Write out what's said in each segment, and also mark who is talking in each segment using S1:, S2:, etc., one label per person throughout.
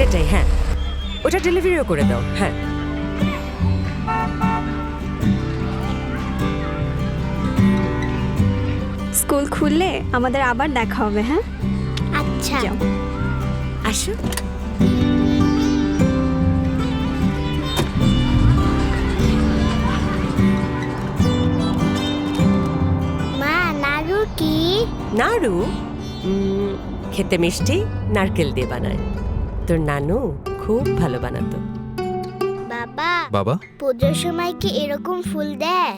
S1: সেটাই, হ্যাঁ, ওটা ডেলিভারিও করে দাও। হ্যাঁ,
S2: স্কুল খুললে আমাদের আবার দেখা হবে। হ্যাঁ,
S3: আচ্ছা
S2: যাও।
S1: আসো।
S3: মা, নাড়ু কি?
S1: নাড়ু খেতে মিষ্টি, নারকেল দিয়ে বানায়। তোর নানু খুব ভালো বানাতো।
S3: বাবা,
S4: বাবা?
S3: পুজোর সময় কি এরকম ফুল দেয়?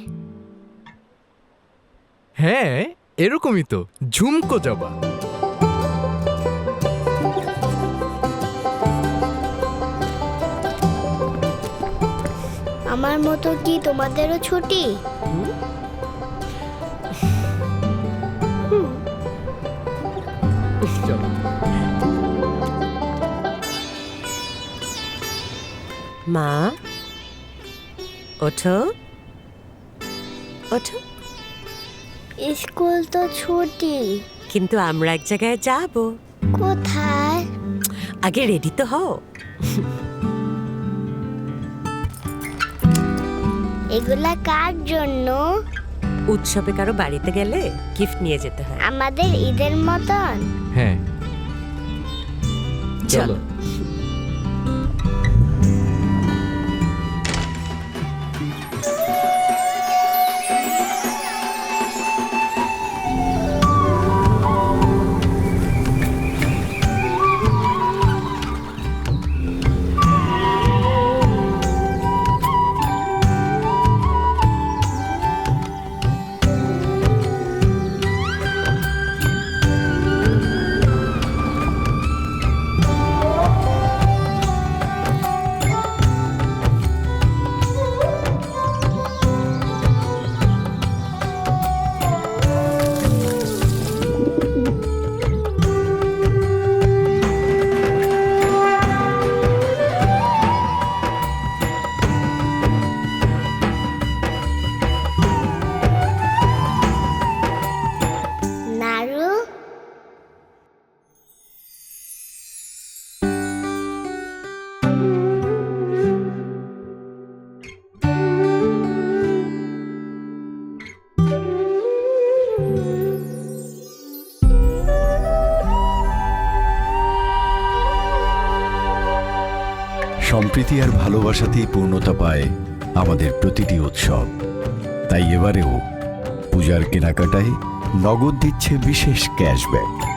S4: হ্যাঁ, এরকমই তো, ঝুমকো জবা।
S3: আমার মতো কি তোমাদেরও ছুটি?
S4: চলো।
S1: মা, ওঠো ওঠো।
S3: স্কুল তো ছুটি।
S1: কিন্তু আমরা এক জায়গায় যাব।
S3: কোথায়?
S1: আগে রেডি তো হও।
S3: এগুলা কার জন্য?
S1: উৎসবে কারো বাড়িতে গেলে গিফট নিয়ে যেতে হয়।
S3: আমাদের ঈদের মতন?
S4: হ্যাঁ,
S1: চলো।
S4: চলো।
S3: নাড়ু?
S5: সম্প্রীতি আর ভালোবাসাতেই পূর্ণতা পায় আমাদের প্রতিটি উৎসব। তাই এবারেও পূজার কেনাকাটায় নগদ দিচ্ছে বিশেষ ক্যাশব্যাক।